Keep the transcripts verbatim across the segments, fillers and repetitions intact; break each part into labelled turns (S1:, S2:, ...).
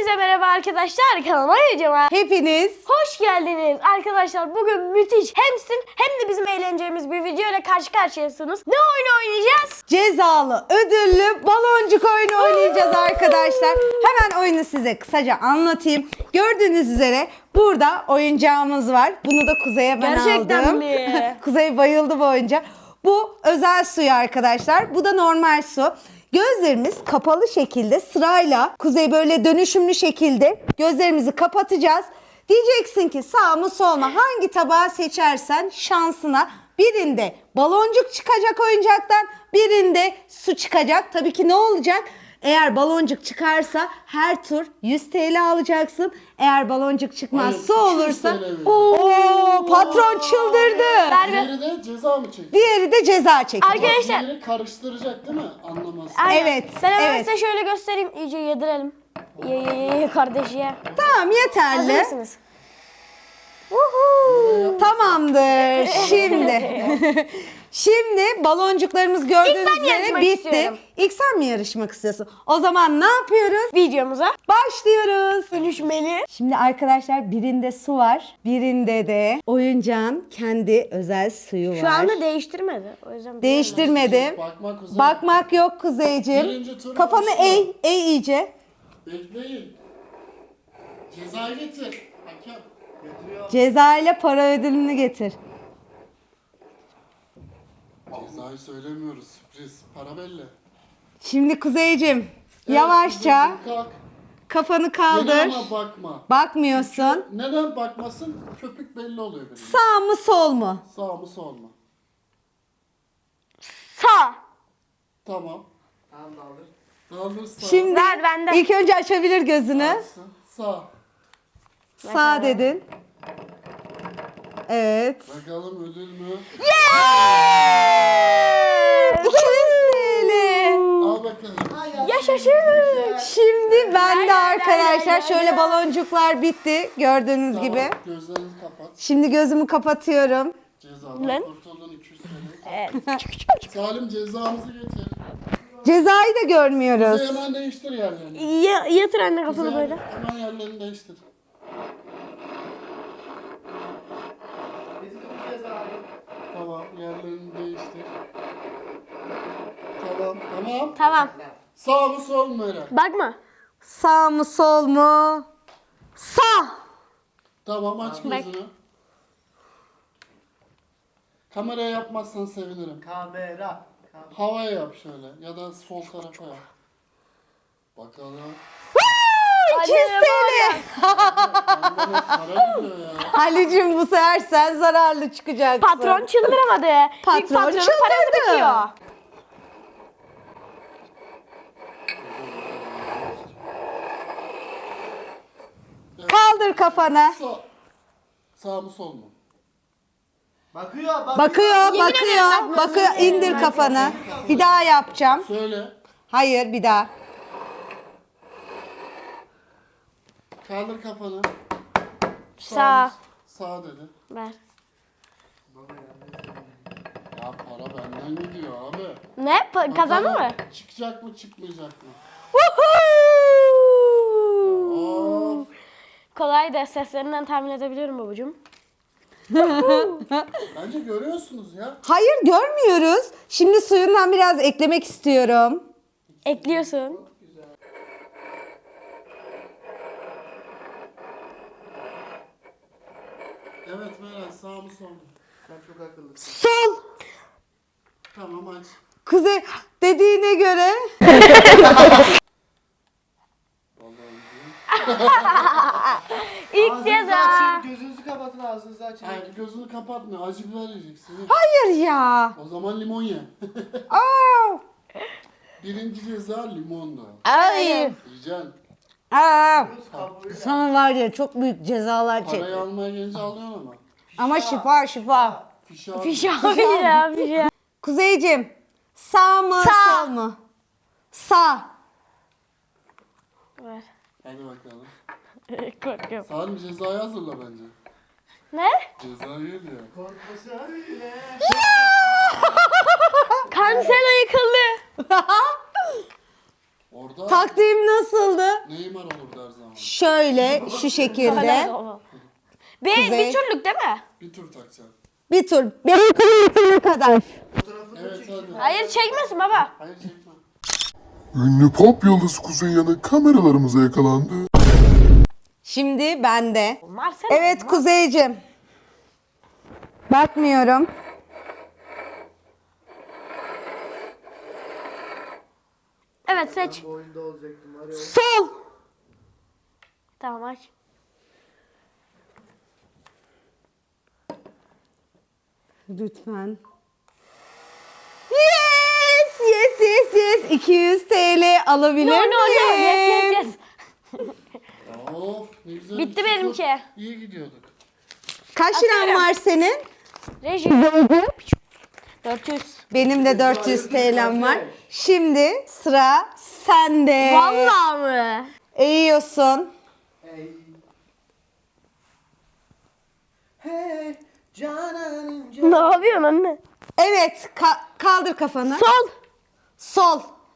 S1: Hepinize merhaba arkadaşlar, kanalıma videoma
S2: Hepiniz
S1: hoş geldiniz. Arkadaşlar bugün müthiş hem sizin hem de bizim eğleneceğimiz bir video ile karşı karşıyasınız. Ne oyunu oynayacağız?
S2: cezalı, ödüllü baloncuk oyunu oynayacağız arkadaşlar. Hemen oyunu size kısaca anlatayım. Gördüğünüz üzere burada oyuncağımız var. Bunu da Kuzey'e ben
S1: Gerçekten
S2: aldım.
S1: mi?
S2: Kuzey bayıldı bu oyuncağa. Bu özel suyu arkadaşlar. Bu da normal su. Gözlerimiz kapalı şekilde sırayla Kuzey böyle dönüşümlü şekilde gözlerimizi kapatacağız. Diyeceksin ki sağ mı sol mu, hangi tabağı seçersen şansına, birinde baloncuk çıkacak oyuncaktan, birinde su çıkacak. Tabii ki ne olacak? Eğer baloncuk çıkarsa her tur yüz T L alacaksın. Eğer baloncuk çıkmaz
S3: Hayır,
S2: su olursa
S3: iki yüz T L
S2: ooo patron çıldırdı.
S3: Diğeri de ceza mı çekecek?
S2: Diğeri de ceza çekecek.
S1: Arkadaşlar
S3: Diğeri karıştıracak değil mi? Anlamazsın.
S1: aynen.
S2: Evet,
S1: Ben hemen
S2: evet.
S1: size şöyle göstereyim, iyice yedirelim. Ye ye ye ye kardeş ye.
S2: Tamam,
S1: Hazır
S2: yeterli.
S1: mısınız? Woohoo!
S2: Tamamdır. Şimdi şimdi baloncuklarımız gördüğünüz
S1: İlk ben
S2: üzere
S1: yarışmak
S2: bitti.
S1: istiyorum.
S2: İlk sen mi yarışmak istiyorsun? O zaman ne yapıyoruz?
S1: Videomuza
S2: Başlıyoruz.
S1: dönüşmeli.
S2: Şimdi arkadaşlar birinde su var. Birinde de oyuncağın kendi özel suyu var.
S1: Şu anda değiştirmedi. O yüzden
S2: Değiştirmedim.
S3: Bakmak Kuzey.
S2: Bakmak yok Kuzeyciğim.
S3: Birinci tur
S2: Kafanı
S3: başlıyor.
S2: eğ, eğ iyice.
S3: Bekleyin. Ceza getir. Hakem. Getiriyor.
S2: Ceza ile para ödülünü getir.
S3: Cezayı söylemiyoruz. Sürpriz. Para belli.
S2: Şimdi Kuzeyciğim
S3: Evet,
S2: yavaşça
S3: Kuzey, kalk.
S2: kafanı
S3: Gel
S2: kaldır.
S3: ama bakma.
S2: Bakmıyorsun.
S3: Neden bakmasın? Köpük belli oluyor benim.
S2: Sağ mı sol mu?
S3: Sağ mı sol mu?
S1: Sağ.
S3: Tamam. Tamam daldır. Daldır sağ.
S2: Şimdi
S1: Ver benden.
S2: ilk önce açabilir gözünü.
S3: Açsın. Sağ.
S2: Sağ dedin. Evet.
S3: Bakalım ödül mü?
S2: iki yüz T L.
S3: Al bakalım.
S1: Yaşasın.
S2: Şimdi ben de
S1: Lay lay
S2: arkadaşlar
S1: lay
S2: şöyle
S1: lay.
S2: baloncuklar bitti gördüğünüz
S3: Tamam,
S2: gibi.
S3: gözlerini kapat.
S2: Şimdi gözümü kapatıyorum.
S3: Cezadan
S1: Lan.
S3: kurtuldun iki yüz T L.
S1: Evet.
S3: Salim cezamızı getir.
S2: Cezayı da
S3: Kuzey
S2: görmüyoruz.
S3: hemen değiştir yerlerini.
S1: Ya, yatır anne kafanı
S3: Kuzey
S1: böyle.
S3: hemen yerlerini değiştir. Tamam yerlerini değiştir. Tamam tamam.
S1: Tamam.
S3: Sağ mı sol mu Eren?
S1: Bakma.
S2: Sağ mı sol mu? Sağ.
S3: Tamam aç
S1: Bak.
S3: gözünü. Kameraya yapmazsan sevinirim.
S4: Kamera. Kamera.
S3: Havaya yap şöyle ya da sol tarafa yap. Bakalım.
S2: iki yüz T L.
S3: Bende para gidiyor ya.
S2: Halicim bu sefer sen zararlı çıkacaksın.
S1: Patron çıldıramadı.
S2: Patron
S1: Çünkü patronun
S2: çıldırdı.
S1: parası bitiyor.
S2: Kaldır kafanı.
S3: Sağ. Sağ mı sol mu?
S4: Bakıyor, bakıyor.
S2: Bakıyor,
S1: Yemin ederim
S2: bakıyor,
S1: bakmıyorsun.
S2: bakıyor. İndir kafanı. Bir daha yapacağım.
S3: Söyle.
S2: Hayır, bir daha.
S3: Kaldır kafanı.
S1: Sağ.
S3: mı? Sağ dedi.
S1: Ver.
S3: Ya para benden gidiyor abi.
S1: Ne? Pa- kazandı
S3: Bakalım
S1: mı?
S3: Çıkacak mı çıkmayacak mı?
S1: Woohoo!
S3: Of.
S1: Kolay da seslerinden tahmin edebiliyorum babacığım.
S3: Bence görüyorsunuz ya.
S2: Hayır, görmüyoruz. Şimdi suyundan biraz eklemek istiyorum.
S1: Ekliyorsun.
S3: Evet Meral sağ mı sol mu?
S4: Sen çok akıllısın.
S2: Sol.
S3: Tamam aç.
S2: Kuzey dediğine göre.
S1: İlk
S4: Ağzınızı
S1: ceza.
S4: açın, gözünüzü kapatın, ağzınızı açın.
S3: Hayır gözünü kapatma. Acı biber yiyeceksin.
S2: Hayır ya.
S3: O zaman limon ye.
S2: Aa.
S3: Birinci ceza limondu.
S2: Hayır.
S3: Yiyeceksin.
S2: Aa.
S4: Göz kabuğuyla.
S2: Sana var ya çok büyük cezalar çek.
S3: Parayı almaya gelince alıyorsun ama.
S2: Ama şifa şifa.
S3: Fişi al.
S1: Fiş abi ya fiş ya.
S2: Kuzeyciğim, sağ mı
S1: Sağ.
S2: sol mu? Sağ.
S1: Ver.
S3: Hadi bakalım.
S1: Korkuyorum.
S3: Salim cezayı hazırla bence.
S1: Ne?
S3: Cezayı diyor.
S4: Korkması öyle.
S1: Cancelo yıkıldı.
S3: Orada
S2: Taktiğim nasıldı?
S3: Neymar olurdu her zaman.
S2: Şöyle şu şekilde.
S1: Bir,
S2: Kuzey.
S1: bir turluk değil mi?
S3: Bir tur takacağım.
S2: Bir tur. Benim kulübüne kadar.
S4: Fotoğrafını
S3: Evet
S4: çekiyor.
S3: hadi.
S1: Hayır çekmesin baba.
S3: Hayır çekme.
S5: Ünlü pop yıldızı Kuzey Yanık kameralarımıza yakalandı.
S2: Şimdi bende.
S1: Marcel.
S2: Evet Kuzeyciğim. Bakmıyorum.
S1: Evet seç.
S4: Bu oyunda olacaktım var ya.
S2: Sol.
S1: Tamam aç.
S2: Lütfen. Yes, yes, yes, yes. iki yüz T L alabilir
S1: No no no.
S2: miyim?
S1: Yes yes yes.
S3: Of ne güzel.
S1: Bitti
S3: bir
S1: benimki.
S3: tur. İyi gidiyorduk.
S2: Kaç liran
S1: Atıyorum.
S2: var senin?
S1: Reji. dört yüz.
S2: Benim de dört yüz T L'm var. Şimdi sıra sende.
S1: Vallahi mı?
S2: Eğiyorsun.
S4: Hey. Hey. Cananım cananım.
S1: Ne yapıyorsun anne?
S2: Evet, ka- kaldır kafanı.
S1: Sol.
S2: Sol.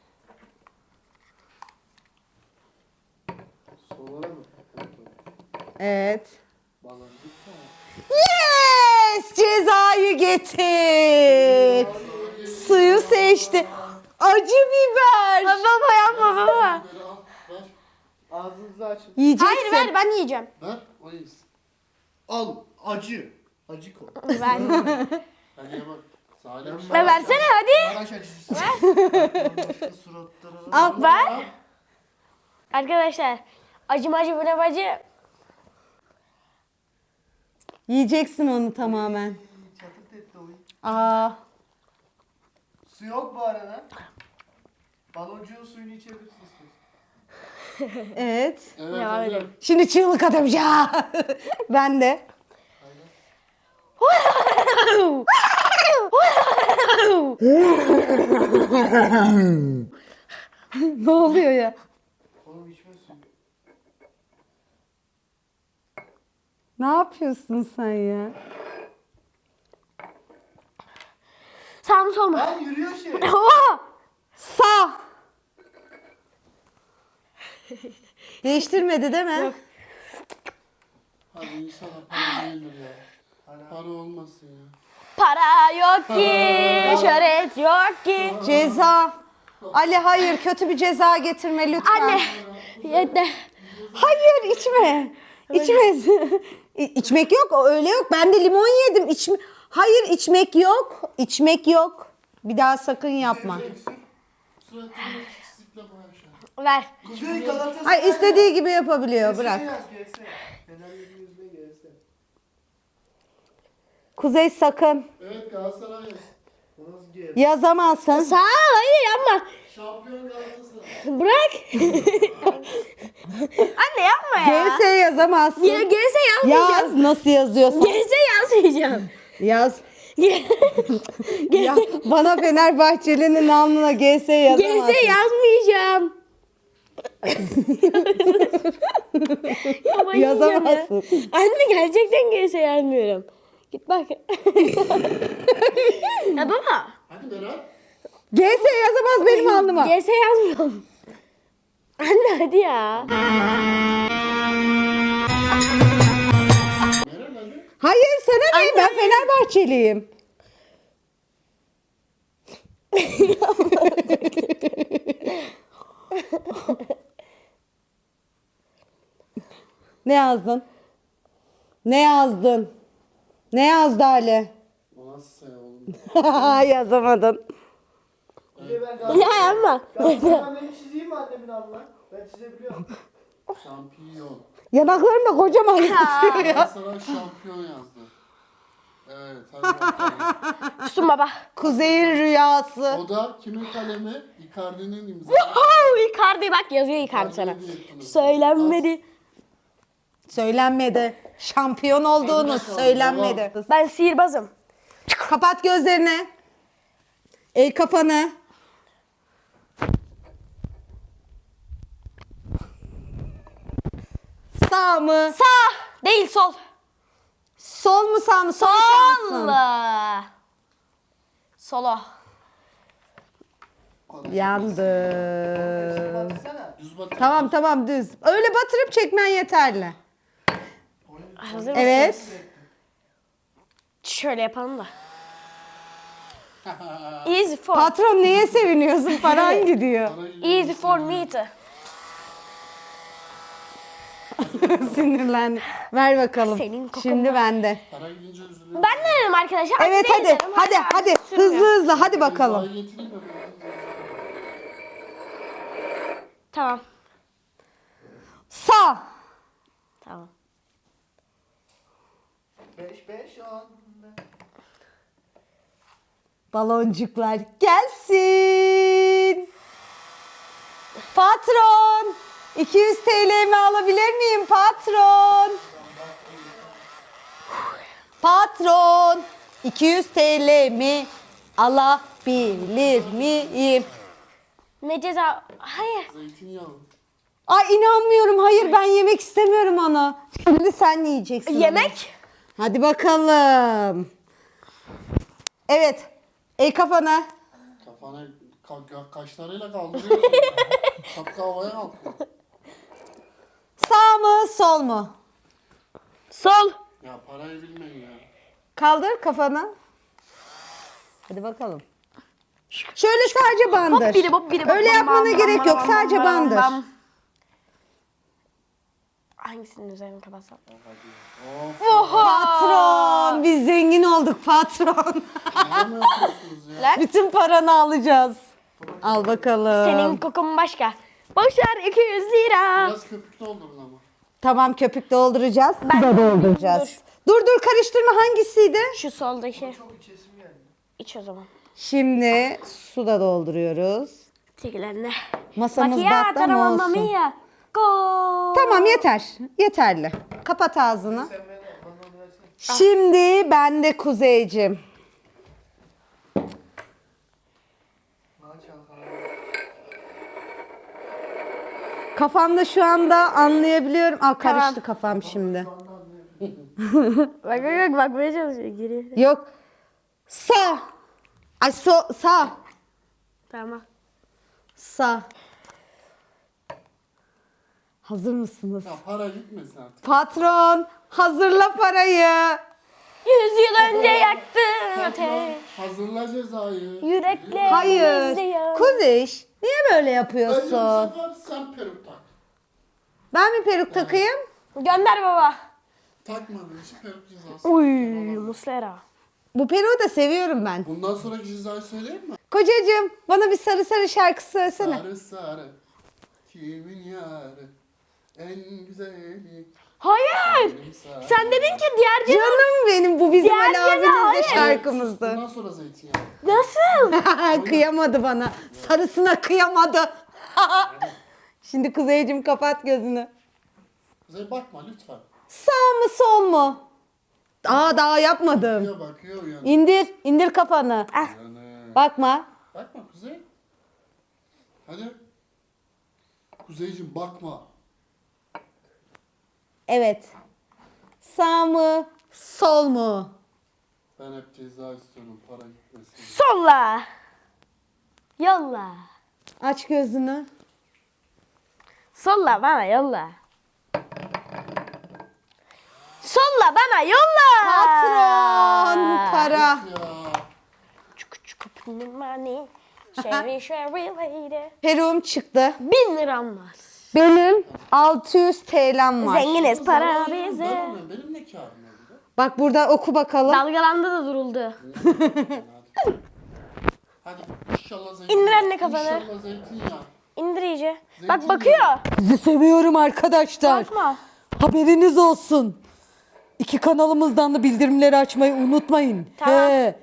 S4: Solara mı?
S2: Evet.
S3: Baloncuk da.
S2: Yes! Cezayı getir. Suyu seçti. Acı biber.
S1: Baba yapma baba.
S3: Biberi al. Ver.
S4: Ağzınızı açın.
S2: Yiyeceksin.
S1: Hayır ver ben yiyeceğim.
S3: Ver. O yesin.
S4: Al. Acı. Acı kol.
S1: Ver.
S3: Hadi ye bak. Salih.
S1: Ver versene hadi.
S4: Maraş acısı. Başka suratlara.
S2: Al.
S1: Ver. Arkadaşlar acı macı bu ne bacı?
S2: Yiyeceksin onu tamamen.
S4: Çatırt etti oyun.
S2: Aa.
S4: Su yok bu arada. Baloncuğun suyunu içebilirsiniz.
S2: Evet.
S3: Evet
S1: Devam
S3: hadi.
S1: edelim.
S2: Şimdi çığlık atamayacağım. Ben de. Ne oluyor ya?
S4: Oğlum içme suyu.
S2: Ne yapıyorsun sen ya?
S1: Sağ mı sol mu?
S4: Lan yürüyor şey.
S1: Oha!
S2: Sağ. Değiştirmedi değil mi?
S3: Hadi inşallah para değildir ya. Para olmasın ya.
S1: Para yok ki, şöhret yok ki.
S2: Ceza. Ali hayır, kötü bir ceza getirme lütfen.
S1: Anne, yeter.
S2: Hayır, içme. İçme. İ- İçmek yok, o öyle yok. Ben de limon yedim. İçme. Hayır, içmek yok. İçmek yok. Bir daha sakın yapma.
S3: Suratını çizikle boya aşağı.
S1: Ver.
S4: Kuzey Galatasaray.
S2: Ay istediği gibi yapabiliyor. Bırak.
S4: Yaz, G S. Fener'in yüzüne G S.
S2: Kuzey sakın.
S3: Evet Galatasaray.
S4: Bu nasıl G?
S2: Yazamazsın.
S1: Sağ ol, hayır yapma.
S3: Şampiyon Galatasaray.
S1: Bırak. Anne yapma ya.
S2: G S yazamazsın.
S1: Ya, gerisi yazmayacağım.
S2: Yaz nasıl yazıyorsan.
S1: Gerisi yazmayacağım.
S2: Yaz.
S1: Ge-
S2: Ya, bana Fenerbahçeli'nin alnına G S yazamazsın.
S1: Gerisi yazmayacağım. Ya ben yiyeceğim ya.
S2: Yazamazsın.
S1: Anne gerçekten gerisi yazmıyorum. Git bak. Ya baba.
S3: Hadi Berat.
S2: G S yazamaz benim alnıma.
S1: Gerisi yazmıyorum. Anne hadi ya.
S3: Meral hadi.
S2: Hayır sana ne? Ben Fenerbahçeliyim. Ne yazdın? Ne yazdın? Ne yazdı Ali?
S3: O nasıl say oğlum?
S2: Yazamadın.
S4: Kuzey ben Galatasaray.
S1: Ya yapma.
S4: Galatasaray beni çizeyim mi annemin alnına? Ben çizebiliyorum.
S3: Şampiyon.
S2: Yanaklarım da kocaman yazıyor ya.
S3: Galatasaray şampiyon yazdı. Evet hadi bakalım.
S1: Tutun baba.
S2: Kuzey'in rüyası.
S3: O da kimin kalemi? Icardi'nin imzası.
S1: Oh, Icardi bak yazıyor Icardi sana. Söylenmedi.
S2: Söylenmedi. Şampiyon olduğunu
S3: Hadi bakalım,
S2: söylenmedi.
S1: Ben sihirbazım.
S2: Kapat gözlerini. El kafanı. Sağ mı?
S1: Sağ değil sol.
S2: Sol mu sağ mı? Son
S1: Sol.
S2: şansın.
S1: Solo.
S2: Yandı.
S4: Baksana.
S3: Düz batır.
S2: Tamam tamam düz. Öyle batırıp çekmen yeterli.
S1: Hazır mısınız?
S2: Evet.
S1: Şöyle yapalım da. Easy for,
S2: Patron neye seviniyorsun? Paran gidiyor.
S3: Para gidiyor.
S1: easy for me to.
S2: Sinirlendim. Ver bakalım.
S1: Senin kokun
S2: Şimdi
S1: var.
S2: bende.
S3: Para gidince üzülüyorum.
S1: Ben de dedim arkadaşlar.
S2: Evet
S1: anne
S2: hadi.
S1: dedim,
S2: Hadi
S1: abi,
S2: hadi.
S1: sürmüyor.
S2: Hızlı hızlı hadi bakalım.
S3: Cezayı getireyim mi?
S1: Tamam.
S2: Sağ.
S1: Tamam.
S4: beş beş on.
S2: Baloncuklar gelsin. Patron. iki yüz T L'mi alabilir miyim patron? Patron. iki yüz T L'mi alabilir miyim?
S1: Ne ceza? Hayır.
S3: Zeytinyağı.
S2: Ay inanmıyorum. Hayır ben yemek istemiyorum onu. Şimdi sen yiyeceksin. onu.
S1: Yemek?
S2: Hadi bakalım. Evet. El kafana.
S3: Kafana ka ka kaşlarıyla kaldırıyorsun. Şapka havaya kalkıyor.
S2: Sağ mı sol mu?
S1: Sol.
S3: Ya parayı bilmeyin ya.
S2: Kaldır kafanı. Hadi bakalım. Şöyle sadece bandır.
S1: Hop biri hop biri hop.
S2: Öyle
S1: Bam,
S2: yapmana
S1: bam,
S2: gerek
S1: bam,
S2: yok.
S1: bam,
S2: Sadece
S1: bam,
S2: bandır.
S1: bam. Hangisinin üzerini kapatsam?
S3: Of.
S2: Patron. Biz zengin olduk patron.
S3: Ne mi yapıyorsunuz ya?
S2: Bütün paranı alacağız. Al bakalım.
S1: Senin kokun başka. Boşver iki yüz lira.
S3: Biraz köpük doldurun ama.
S2: Tamam köpük dolduracağız. Ben de dolduracağız. Dur. dur karıştırma hangisiydi?
S1: Şu soldaki.
S4: Çok içesim geldi.
S1: İç o zaman.
S2: Şimdi su da dolduruyoruz.
S1: Tekilerine.
S2: Masamız
S1: Macchiato,
S2: battan
S1: mamma
S2: olsun.
S1: mia. Go.
S2: Tamam yeter. Yeterli. Kapat ağzını.
S4: Sen beni bana onu versene.
S2: Şimdi ben de Kuzeycim.
S4: Bana çalkala.
S2: Kafamda şu anda anlayabiliyorum. Aa karıştı
S1: Tamam.
S2: kafam şimdi.
S1: Bak bak bak bakmaya çalışıyor. Giriyor.
S2: Yok. Sağ. Ay so sağ.
S1: Tamam.
S2: Sağ. Hazır mısınız?
S3: Ya para gitmesin artık.
S2: Patron hazırla parayı.
S1: Yüz yıl önce yaktın ateş.
S3: Hazırla cezayı.
S1: Yürekler
S2: Hayır.
S1: izliyor.
S2: Kuziş niye böyle
S3: Bence bu
S2: yapıyorsun?
S3: sefer sen peruk tak.
S2: Ben mi peruk takayım?
S1: Gönder baba.
S3: Takmadığın için peruk cezası.
S1: Uy Muslera.
S2: Bu peruğu da seviyorum ben.
S3: Bundan sonraki cezayı söyleyeyim mi?
S2: Kocacığım bana bir sarı sarı şarkı söylesene.
S3: Sarı sarı. Kimin yarı? En güzeli.
S1: Hayır.
S3: Benim sarı.
S1: Sen dedin ki diğer ceza.
S2: Canım benim bu bizim
S1: Diğer
S2: Ali
S1: ceza,
S2: abimizin
S1: hayır.
S2: şarkımızdı.
S3: Bundan sonra zeytinyağı.
S1: Nasıl?
S2: Kıyamadı bana. Sarısına kıyamadı. Şimdi Kuzeycim kapat gözünü.
S3: Kuzey bakma lütfen.
S2: Sağ mı sol mu? Aa daha yapmadım.
S3: Bakıyor bakıyor uyanıyor.
S2: İndir, indir kafanı.
S3: Uyanıyor.
S2: Bakma.
S3: Bakma Kuzey. Hadi. Kuzeyciğim bakma.
S2: Evet. Sağ mı, sol mu?
S3: Ben hep ceza istiyorum para gitmesin.
S1: Solla. Yolla.
S2: Aç gözünü.
S1: Solla bana yolla. Solla bana yolla.
S2: Patron, para.
S3: Ya.
S1: Çuku çuku money. Sherry sherry lady.
S2: Peruğum çıktı.
S1: Bin liram var.
S2: Benim altı yüz T L'm var.
S1: Zenginiz para
S3: Zararım
S1: bize.
S3: var mı? Benim ne karım oldu?
S2: Bak burada oku bakalım.
S1: Dalgalandı da duruldu.
S3: Hadi inşallah zeytinyağı.
S1: İndir anne kafanı.
S3: İnşallah zeytinyağı.
S1: İndir iyice. Bak
S3: Zeytinyağı.
S1: bakıyor.
S2: Sizi seviyorum arkadaşlar.
S1: Bakma.
S2: Haberiniz olsun. İki kanalımızdan da bildirimleri açmayı unutmayın.
S1: Tamam.
S2: He.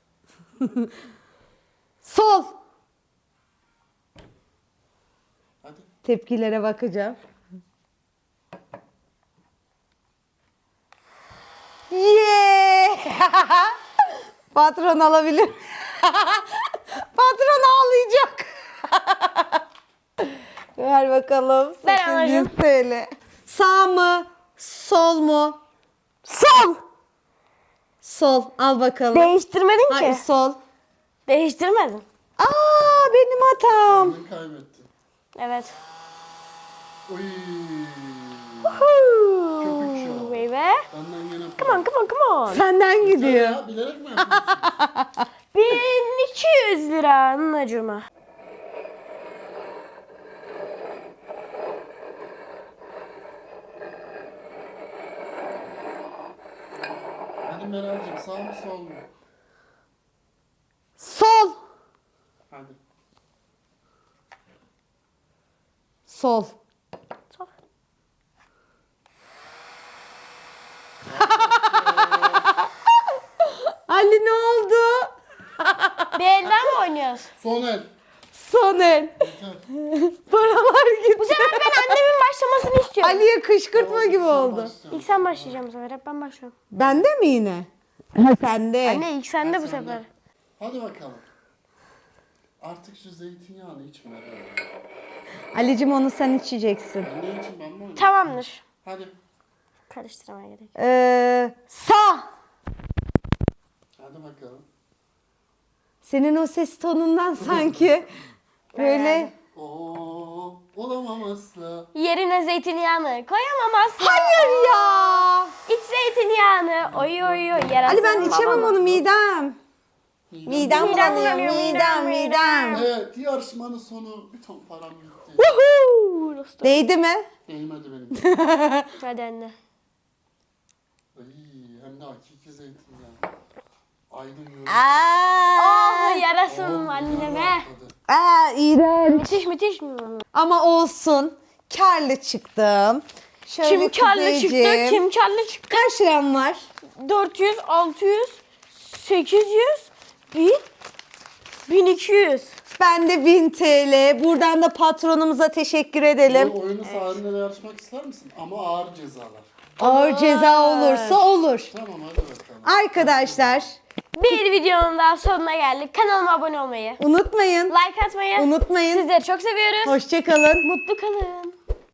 S2: Sol.
S3: Hadi.
S2: Tepkilere bakacağım. Yeah! Patron alabilir. Patron ağlayacak. Ver bakalım.
S1: Ben
S2: sekiz yüz
S1: alacağım.
S2: T L. Sağ mı? Sol mu?
S1: Sol.
S2: Sol. Al bakalım.
S1: Değiştirmedin ki.
S2: Hayır sol.
S1: Değiştirmedin.
S2: Aa benim hatam.
S3: Ben kaybettim.
S1: Evet.
S3: Oy.
S1: Huu,
S3: Köpük şu an.
S1: baby.
S3: Benden gene
S1: Come on, come on, come on.
S2: Senden gidiyor.
S3: Ya, bilerek mi yapıyorsun?
S1: bin iki yüz lira anacığıma.
S3: Hadi Meral'cim sağ mı sol mu?
S2: Sol.
S3: Hadi.
S2: Sol.
S1: Sol.
S2: Ali ne oldu?
S1: Bir elden mi oynuyoruz?
S3: Son el.
S2: Son el.
S3: Yeter.
S2: Paralar gitti.
S1: Bu sefer ben annemin başlamasını istiyorum.
S2: Ali'ye kışkırtma
S3: Tamam,
S2: gibi
S3: sen
S2: oldu.
S3: başla.
S1: İlk sen başlayacaksın bu sefer. Hep ben başlıyorum.
S2: Bende mi yine? Ha sende.
S1: Anne ilk sende bu
S3: Sen de.
S1: sefer.
S3: Hadi bakalım. Artık şu zeytinyağını içme.
S2: Ali'cim onu sen içeceksin.
S3: Ben ne için ben mi oynayayım?
S1: Tamamdır.
S3: Hadi.
S1: Karıştırmaya gerek yok.
S2: Ee, sağ.
S3: Hadi bakalım.
S2: Senin o ses tonundan sanki böyle.
S3: Oo, olamam asla.
S1: Yerine zeytinyağını koyamam asla.
S2: Hayır ya.
S1: İç zeytinyağını. Oy oy oy. Yarasın
S2: Ali ben içemem
S1: babama.
S2: onu midem. Midem
S1: Midem
S2: bulanıyor.
S1: bulanıyor,
S2: Midem
S1: midem,
S2: midem.
S3: Evet, yarışmanın sonu bir ton param gitti.
S1: Woohoo! Dostum.
S2: Değdi mi?
S3: Değmedi benim.
S1: Hadi anne.
S3: Ay, hem de hakiki zeytinyağı. Aydın yolu.
S2: Aa,
S1: Oh yarasın anneme.
S2: aa iğrenç.
S1: Müthiş müthiş.
S2: Ama olsun. Karlı çıktım. Şöyle
S1: Kim karlı çıktı?
S2: kuzeyciğim.
S1: Kim karlı çıktı?
S2: Kaç liram var?
S1: dört yüz, altı yüz, sekiz yüz, bin, bin iki yüz.
S2: Ben de bin T L. Buradan da patronumuza teşekkür edelim.
S3: Bu oyunu sahiline yarışmak ister misin? Ama ağır cezalar.
S2: Ağır ceza olursa olur.
S3: Tamam hadi bakalım.
S2: Arkadaşlar
S1: Bir videonun daha sonuna geldik. Kanalıma abone olmayı,
S2: unutmayın.
S1: like atmayı,
S2: Unutmayın.
S1: sizleri çok seviyoruz.
S2: Hoşçakalın.
S1: Mutlu kalın.